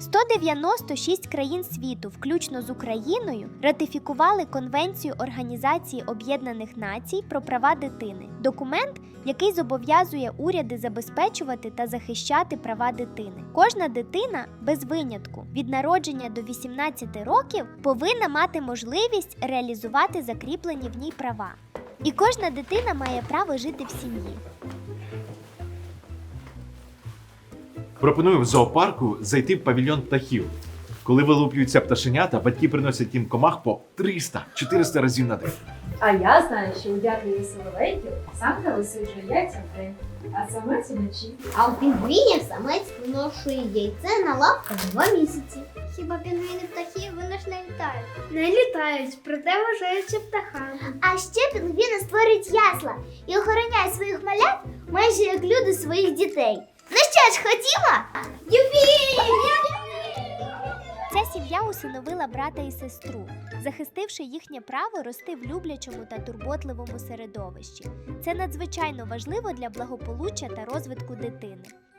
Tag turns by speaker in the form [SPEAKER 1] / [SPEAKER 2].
[SPEAKER 1] 196 країн світу, включно з Україною, ратифікували Конвенцію Організації Об'єднаних Націй про права дитини. Документ, який зобов'язує уряди забезпечувати та захищати права дитини. Кожна дитина, без винятку, від народження до 18 років, повинна мати можливість реалізувати закріплені в ній права. І кожна дитина має право жити в сім'ї.
[SPEAKER 2] Пропоную в зоопарку зайти в павільйон птахів. Коли вилуплюються пташенята, батьки приносять їм комах по 300-400 разів на день.
[SPEAKER 3] А я знаю, що у дятлів і соловейків самка висиджує яйця вдень, а самець уночі.
[SPEAKER 4] А у пінгвінів самець виношує яйце на лапках 2 місяці. Хіба пінгвіни птахи, вони ж не літають?
[SPEAKER 5] Не літають, проте вважаються птахами.
[SPEAKER 4] А ще пінгвіни створюють ясла і охороняють своїх малят майже як люди своїх дітей. Ну що ж, ходімо? Юпі!
[SPEAKER 1] Ця сім'я усиновила брата і сестру, захистивши їхнє право рости в люблячому та турботливому середовищі. Це надзвичайно важливо для благополуччя та розвитку дитини.